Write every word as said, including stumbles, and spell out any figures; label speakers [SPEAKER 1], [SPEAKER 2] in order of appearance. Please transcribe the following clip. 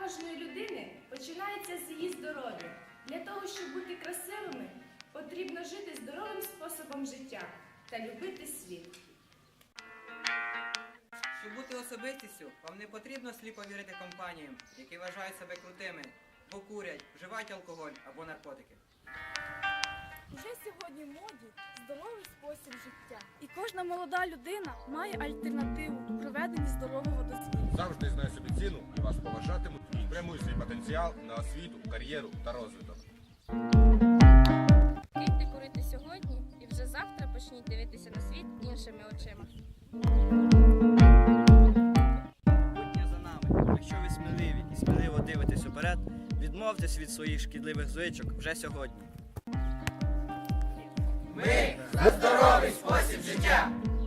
[SPEAKER 1] кожної людини починається з її здоров'я. Для того, щоб бути красивими, потрібно жити здоровим способом життя та любити світ.
[SPEAKER 2] Щоб бути особистістю, вам не потрібно сліпо вірити компаніям, які вважають себе крутими, бо курять, вживають алкоголь або наркотики.
[SPEAKER 3] Вже сьогодні в моді здоровий спосіб життя. І кожна молода людина має альтернативу у проведенні здорового дослідження.
[SPEAKER 4] Завжди знай собі ціну і вас поважатимуть, і спрямуй свій потенціал на освіту, кар'єру та розвиток.
[SPEAKER 5] Киньте курити сьогодні і вже завтра почніть дивитися на світ іншими очима.
[SPEAKER 6] Майбутнє за нами. Якщо ви сміливі і сміливо дивитесь уперед, відмовтесь від своїх шкідливих звичок вже сьогодні.
[SPEAKER 2] Ми за здоровий спосіб життя!